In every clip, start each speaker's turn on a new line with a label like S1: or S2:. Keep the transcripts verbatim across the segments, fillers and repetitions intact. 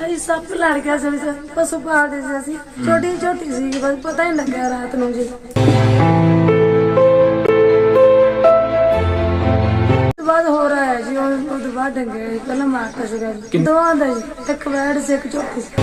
S1: भाई सप लड़ गया ਸੀ ਪਸ਼ੂ ਪਾਲਦੇ ਸੀ ਅਸੀਂ ਛੋਟੀ ਛੋਟੀ ਸੀ ਬਸ ਪਤਾ ਹੀ ਲੱਗਿਆ ਰਾਤ ਨੂੰ ਜੀ ਬਾਅਦ ਹੋ ਰਿਹਾ ਹੈ ਜੀ ਉਹ ਤੋਂ ਬਾਅਦ ਡੰਗੇ ਪਹਿਲਾਂ ਮਾਰਤਾ ਸੀਗਾ ਜੀ ਦੋਵਾਂ ਦਾ ਜੀ ਇੱਕ ਵੈੜ ਸੀ ਇੱਕ ਝੋਟੀ ਸੀ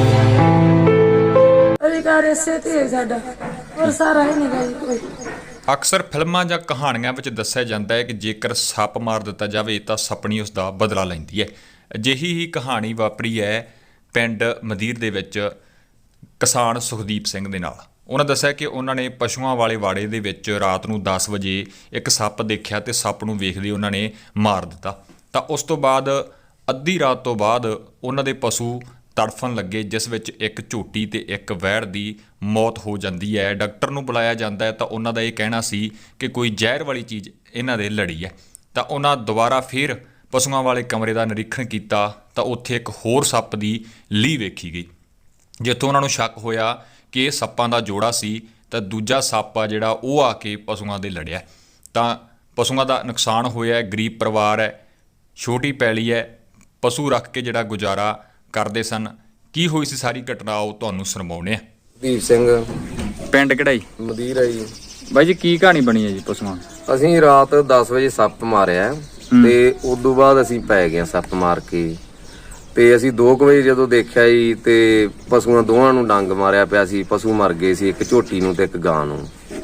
S1: ਅਧਿਕਾਰ ਇਸੇ ਤੇ ਸਾਡਾ ਹੋਰ ਸਾਰਾ ਹੀ ਨਹੀਂ ਗਾ ਜੀ ਕੋਈ।
S2: ਅਕਸਰ ਫਿਲਮਾਂ ਜਾਂ ਕਹਾਣੀਆਂ ਵਿੱਚ ਦੱਸਿਆ ਜਾਂਦਾ ਹੈ ਕਿ ਜੇਕਰ ਸੱਪ ਮਾਰ ਦਿੱਤਾ ਜਾਵੇ ਤਾਂ ਸੱਪਣੀ ਉਸ ਦਾ ਬਦਲਾ ਲੈਂਦੀ ਹੈ। ਅਜਿਹੀ ਹੀ ਕਹਾਣੀ ਵਾਪਰੀ ਹੈ ਪਿੰਡ ਮਦੀਰ ਦੇ ਵਿੱਚ ਕਿਸਾਨ ਸੁਖਦੀਪ ਸਿੰਘ ਦੇ ਨਾਲ। ਉਹਨਾਂ ਦੱਸਿਆ ਕਿ ਉਹਨਾਂ ਨੇ ਪਸ਼ੂਆਂ ਵਾਲੇ ਵਾੜੇ ਦੇ ਵਿੱਚ ਰਾਤ ਨੂੰ ਦਸ ਵਜੇ ਇੱਕ ਸੱਪ ਦੇਖਿਆ ਤੇ ਸੱਪ ਨੂੰ ਵੇਖਦੇ ਉਹਨਾਂ ਨੇ ਮਾਰ ਦਿੱਤਾ। ਤਾਂ ਉਸ ਤੋਂ ਬਾਅਦ ਅੱਧੀ ਰਾਤ ਤੋਂ ਬਾਅਦ ਉਹਨਾਂ ਦੇ ਪਸ਼ੂ ਤੜਫਣ ਲੱਗੇ, ਜਿਸ ਵਿੱਚ ਇੱਕ ਝੋਟੀ ਤੇ ਇੱਕ ਵੈੜ ਦੀ ਮੌਤ ਹੋ ਜਾਂਦੀ ਹੈ। ਡਾਕਟਰ ਨੂੰ ਬੁਲਾਇਆ ਜਾਂਦਾ ਹੈ ਤਾਂ ਉਹਨਾਂ ਦਾ ਇਹ ਕਹਿਣਾ ਸੀ ਕਿ ਕੋਈ ਜ਼ਹਿਰ ਵਾਲੀ ਚੀਜ਼ ਇਹਨਾਂ ਦੇ ਲੜੀ ਹੈ। ਤਾਂ ਉਹਨਾਂ ਦੁਬਾਰਾ ਫਿਰ ਪਸ਼ੂਆਂ ਵਾਲੇ ਕਮਰੇ ਦਾ ਨਿਰੀਖਣ ਕੀਤਾ ਤਾਂ ਉੱਥੇ ਇੱਕ ਹੋਰ ਸੱਪ ਦੀ ਲੀਹ ਵੇਖੀ ਗਈ, ਜਿੱਥੋਂ ਉਹਨਾਂ ਨੂੰ ਸ਼ੱਕ ਹੋਇਆ ਕਿ ਇਹ ਸੱਪਾਂ ਦਾ ਜੋੜਾ ਸੀ ਤਾਂ ਦੂਜਾ ਸੱਪ ਆ ਜਿਹੜਾ ਉਹ ਆ ਕੇ ਪਸ਼ੂਆਂ ਦੇ ਲੜਿਆ। ਤਾਂ ਪਸ਼ੂਆਂ ਦਾ ਨੁਕਸਾਨ ਹੋਇਆ, ਗਰੀਬ ਪਰਿਵਾਰ ਹੈ, ਛੋਟੀ ਪੈਲੀ ਹੈ, ਪਸ਼ੂ ਰੱਖ ਕੇ ਜਿਹੜਾ ਗੁਜ਼ਾਰਾ ਕਰਦੇ ਸਨ। ਕੀ ਹੋਈ ਸੀ ਸਾਰੀ ਘਟਨਾ ਉਹ ਤੁਹਾਨੂੰ ਸੁਣਾਉਂਦੇ ਆ।
S3: ਦੀਪ ਸਿੰਘ
S4: ਪਿੰਡ ਕਿਹੜਾ ਜੀ?
S3: ਮਦੀਰ ਹੈ ਜੀ।
S4: ਬਾਈ ਜੀ ਕੀ ਕਹਾਣੀ ਬਣੀ ਹੈ ਜੀ ਪਸ਼ੂਆਂ?
S3: ਅਸੀਂ ਰਾਤ ਦਸ ਵਜੇ ਸੱਪ ਮਾਰਿਆ ਤੇ ਉਦੋਂ ਬਾਅਦ ਅਸੀਂ ਪੈ ਗਏ ਸੱਪ ਮਾਰ ਕੇ ਤੇ ਅਸੀਂ ਦੋ ਕੁ ਵਜੇ ਜਦੋਂ ਦੇਖਿਆ ਜੀ ਤੇ ਪਸ਼ੂਆਂ ਦੋਵਾਂ ਨੂੰ ਡੰਗ ਮਾਰਿਆ ਪਿਆ ਸੀ। ਪਸ਼ੂ ਮਰ ਗਏ ਸੀ, ਇੱਕ ਝੋਟੀ ਨੂੰ ਤੇ ਇੱਕ ਗਾਂ ਨੂੰ।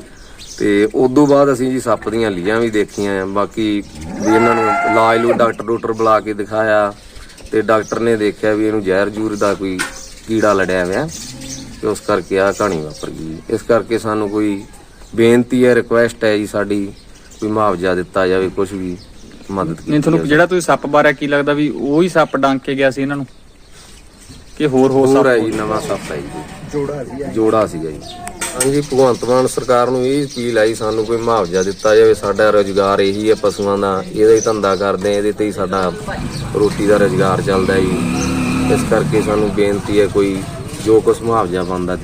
S3: ਤੇ ਉਦੋਂ ਬਾਅਦ ਅਸੀਂ ਜੀ ਸੱਪ ਦੀਆਂ ਲੀਆਂ ਵੀ ਦੇਖੀਆਂ। ਬਾਕੀ ਵੀ ਇਹਨਾਂ ਨੂੰ ਇਲਾਜ ਨੂੰ ਡਾਕਟਰ ਡਾਕਟਰ ਬੁਲਾ ਕੇ ਦਿਖਾਇਆ ਤੇ ਡਾਕਟਰ ਨੇ ਦੇਖਿਆ ਵੀ ਇਹਨੂੰ ਜ਼ਹਿਰ ਜੂਰ ਦਾ ਕੋਈ ਕੀੜਾ ਲੜਿਆ ਹੋਇਆ ਤੇ ਉਸ ਕਰਕੇ ਆਹ ਕਹਾਣੀ ਵਾਪਰ ਗਈ। ਇਸ ਕਰਕੇ ਸਾਨੂੰ ਕੋਈ ਬੇਨਤੀ ਹੈ, ਰਿਕੁਐਸਟ ਹੈ ਜੀ ਸਾਡੀ, ਕੋਈ ਮੁਆਵਜ਼ਾ ਦਿੱਤਾ ਜਾਵੇ, ਕੁਝ ਵੀ ਮਦਦ ਕੀਤੀ।
S4: ਨਹੀਂ ਤੁਹਾਨੂੰ ਜਿਹੜਾ ਤੁਸੀਂ ਸੱਪ ਬਾਰੇ ਕੀ ਲੱਗਦਾ ਵੀ ਉਹੀ ਸੱਪ ਡੰਗ ਕੇ ਗਿਆ ਸੀ ਇਹਨਾਂ ਨੂੰ ਕਿ ਹੋਰ ਹੋਰ
S3: ਹੋਰ
S4: ਸੱਪ?
S3: ਹੈ ਜੀ, ਨਵਾਂ ਸੱਪ ਹੈ ਜੀ, ਜੋੜਾ ਸੀ ਜੋੜਾ ਸੀਗਾ ਜੀ। ਹਾਂਜੀ, ਭਗਵੰਤ ਮਾਨ ਸਰਕਾਰ ਨੂੰ ਇਹ ਅਪੀਲ ਆਈ ਸਾਨੂੰ ਕੋਈ ਮੁਆਵਜ਼ਾ ਦਿੱਤਾ ਜਾਵੇ। ਸਾਡਾ ਰੁਜ਼ਗਾਰ ਇਹੀ ਹੈ ਪਸ਼ੂਆਂ ਦਾ, ਇਹਦਾ ਹੀ ਧੰਦਾ ਕਰਦੇ ਆ, ਇਹਦੇ ਤੇ ਹੀ ਸਾਡਾ ਰੋਟੀ ਦਾ ਰੁਜ਼ਗਾਰ ਚੱਲਦਾ ਜੀ। ਇਸ ਕਰਕੇ ਸਾਨੂੰ ਬੇਨਤੀ ਹੈ ਕੋਈ ਜੋ ਕੁਛ ਮੁਆਵਜ਼ਾ ਬਣਦਾ।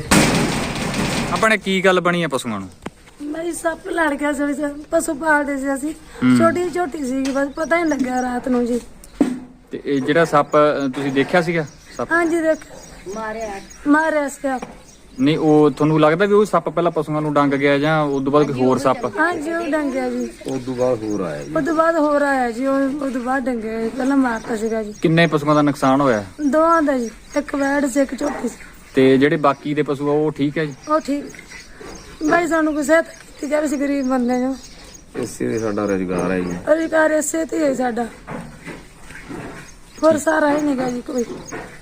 S4: ਆਪਣੇ ਕੀ ਗੱਲ ਬਣੀ ਹੈ ਪਸ਼ੂਆਂ ਨੂੰ?
S1: भाई सप लड़ गया ਸੀ ਪਸ਼ੂ ਪਾਲਦੇ ਸੀ ਅਸੀਂ ਛੋਟੀ ਛੋਟੀ ਸੀ ਬਸ ਪਤਾ ਹੀ ਲੱਗਿਆ ਰਾਤ ਨੂੰ ਜੀ।
S4: ਤੇ ਇਹ ਜਿਹੜਾ ਸੱਪ ਤੁਸੀਂ ਦੇਖਿਆ ਸੀਗਾ ਸੱਪ?
S1: ਹਾਂਜੀ ਦੇਖ ਮਾਰਿਆ ਮਾਰਿਆ ਸੀ।
S4: ਨਹੀਂ ਉਹ ਤੁਹਾਨੂੰ ਲੱਗਦਾ ਵੀ ਉਹ ਸੱਪ ਪਹਿਲਾਂ ਪਸ਼ੂਆਂ ਨੂੰ ਡੰਗ ਗਿਆ ਜਾਂ ਉਸ ਤੋਂ ਬਾਅਦ ਕੋਈ ਹੋਰ ਸੱਪ?
S1: ਹਾਂਜੀ ਉਹ ਡੰਗਿਆ ਜੀ,
S3: ਉਸ ਤੋਂ ਬਾਅਦ ਹੋਰ ਆਇਆ ਜੀ।
S1: ਉਹ ਤੋਂ ਬਾਅਦ ਹੋਰ ਆਇਆ ਜੀ, ਉਹ ਤੋਂ ਬਾਅਦ ਡੰਗੇ ਪਹਿਲਾਂ ਮਾਰਤਾ ਸੀਗਾ ਜੀ।
S4: ਕਿੰਨੇ ਪਸ਼ੂਆਂ ਦਾ ਨੁਕਸਾਨ ਹੋਇਆ?
S1: ਦੋਵਾਂ ਦਾ ਜੀ, ਇੱਕ ਵੈੜ ਸੀ ਇੱਕ ਝੋਟੀ ਸੀ।
S4: ਤੇ ਜਿਹੜੇ ਬਾਕੀ ਦੇ ਪਸ਼ੂ ਆ ਉਹ ਠੀਕ ਹੈ ਜੀ?
S1: ਉਹ ਠੀਕ ਭਾਈ, ਸਾਨੂੰ ਕੋਈ ਸਹਾਇਤਾ ਕੀਤੀ ਜਾਵੇ, ਅਸੀਂ ਗਰੀਬ ਬੰਦੇ ਜੋ
S3: ਇਸੇ ਦੇ ਸਾਡਾ ਰੁਜ਼ਗਾਰ ਹੈ ਜੀ।
S1: ਅਧਿਕਾਰ ਇਸੇ ਤੇ ਹੈ ਸਾਡਾ, ਹੋਰ ਸਾਰਾ ਹੀ ਨਹੀਂ ਗਾ ਜੀ ਕੋਈ।